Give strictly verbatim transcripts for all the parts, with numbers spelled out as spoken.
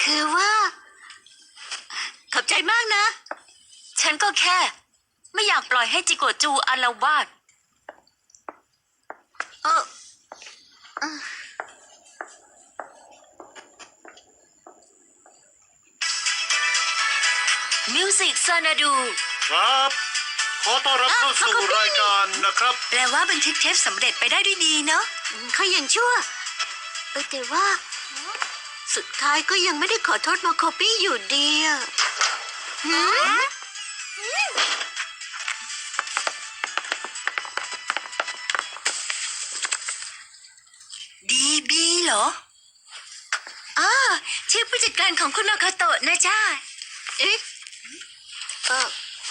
คือว่าขอบใจมากนะฉันก็แค่ไม่อยากปล่อยให้จิโกะจูอาละวาดเออเออมิวสิกซานาดูครับ ขอต้อนรับเข้าสู่รายการนะครับแปลว่าบันทึกเทปสำเร็จไปได้ด้วยดีเนาะเขายังชั่วเออแต่ว่า สุดท้ายก็ยังไม่ได้ขอโทษมาโคปี้อยู่ดีอะหืมดีบีเหรออ้าชื่อผู้จัดการของคุณมาคาโตะนะจ้าเอ๊ะเออ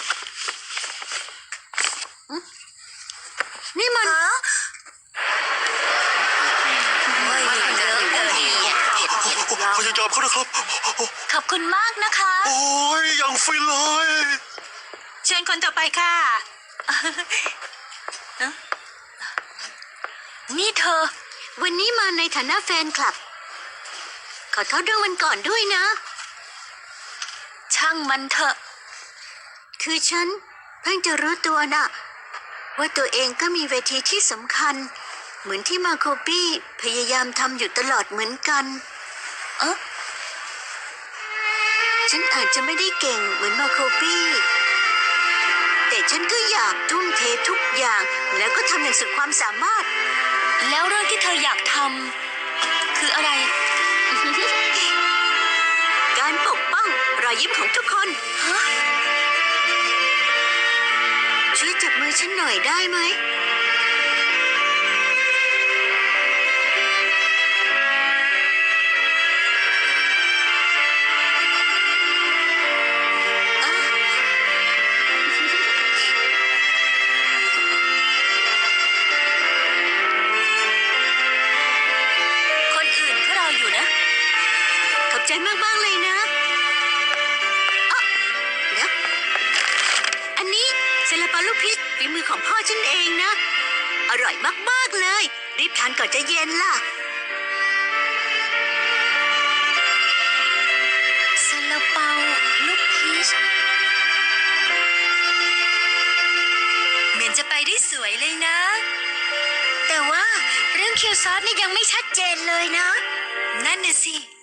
หึนี่มันพยายามเขานะครับขอบคุณมากนะคะโอ้ยยังฟินเลยเชิญคนต่อไปค่ะเอ๊ะนี่เธอวันนี้มาในฐานะแฟนคลับ ขอโทษเรื่องวันก่อนด้วยนะช่างมันเถอะคือฉันเพิ่งจะรู้ตัวน่ะ ว่าตัวเองก็มีเวทีที่สำคัญ เหมือนที่มาโคปี้พยายามทำอยู่ตลอดเหมือนกันเอ๊ะฉันอาจจะไม่ได้เก่งเหมือนมาโคปี้ แต่ฉันก็อยากทุ่มเททุกอย่าง แล้วก็ทำอย่างสุดความสามารถแล้วเรื่องที่เธออยากทำคืออะไรการปกป้องรอยยิ้มของทุกคนฮะช่วยจับมือฉันหน่อยได้ไหมคนอื่นเขารออยู่นะขอบใจมาก ๆ เลยนะอ๊ะเดี๋ยวอันนี้เซลาเปาลูกพิษฝีมือของพ่อฉันเองนะ อร่อยมาก ๆ เลย รีบทานก่อนจะเย็นล่ะซาลาเปาลูกพีชเหมือนจะไปได้สวยเลยนะ แต่ว่าเรื่องคิวซอสนี่ยังไม่ชัดเจนเลยนะ นั่นน่ะสิ